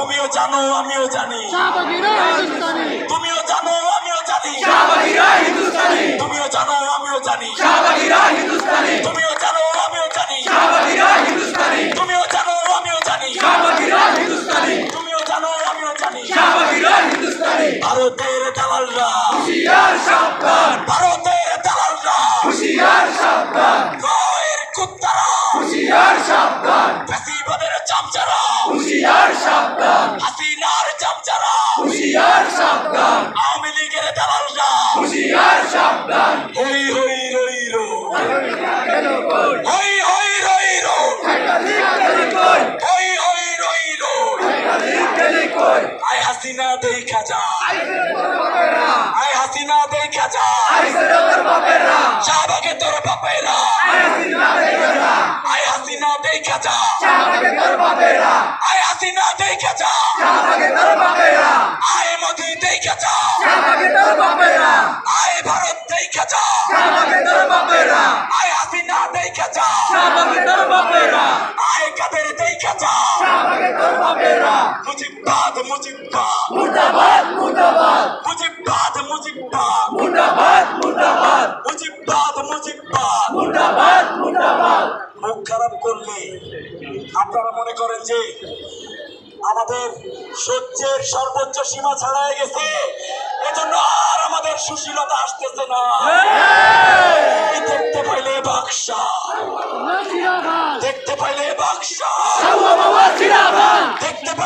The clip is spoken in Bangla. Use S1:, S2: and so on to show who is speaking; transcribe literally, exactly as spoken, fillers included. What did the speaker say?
S1: তুমিও জানো আমিও জানি
S2: শাহবাগীরা হিন্দুস্তানি,
S1: তুমিও জানো আমিও জানি
S3: শাহবাগীরা হিন্দুস্তানি,
S1: তুমিও জানো আমিও জানি
S3: শাহবাগীরা হিন্দুস্তানি,
S1: তুমিও জানো আমিও জানি
S3: শাহবাগীরা হিন্দুস্তানি,
S1: তুমিও জানো আমিও জানি
S3: শাহবাগীরা হিন্দুস্তানি,
S1: তুমিও জানো আমিও জানি
S3: শাহবাগীরা হিন্দুস্তানি।
S1: ভারতের দালালরা
S3: হুঁশিয়ার সাবধান,
S1: ভারতের দালালরা
S3: হুঁশিয়ার সাবধান,
S1: গায়ের কুত্তারা
S3: হুঁশিয়ার সাবধান,
S1: ফ্যাসিবাদের চামচারা
S3: হুঁশিয়ার সাবধান,
S1: হাসিনার চামচারা
S3: হুঁশিয়ার সাবধান,
S1: আওয়ামী লীগের দালালরা
S3: হুঁশিয়ার সাবধান।
S1: হই হই রই রো হই হই রই রো হই হই রই রো আই হাসিনা দেখা যা আই হাসিনা দেখা যা শাহবাগে তোর বাপেরা আই হাসিনা দেখা যা আই হাসিনা দেখা যা আই মোদি দেখা যা আই ভারত দেখা যা আই হাসিনা দেখা যা আই কাদের দেখা যা মুজিবাদ মুজিবাদ
S3: মুর্দাবাদ মুর্দাবাদ
S1: মুজিবাদ মুজিবাদ
S3: মুর্দাবাদ মুর্দাবাদ
S1: মুজিবাদ মুজিবাদ
S3: মুর্দাবাদ মুর্দাবাদ।
S1: মুখ খারাপ করলে আপনারা মনে করেন যে আমাদের সহ্যের সর্বোচ্চ সীমা ছাড়াই গেছে, এজন্য আর আমাদের সুশীলতা আসতেছে না। এই দেখতে পাইলে বাক্সা,
S2: জিন্দাবাদ,
S1: দেখতে পাইলে বাক্সা,
S3: জিন্দাবাদ জিন্দাবাদ
S1: দেখতে পাইলে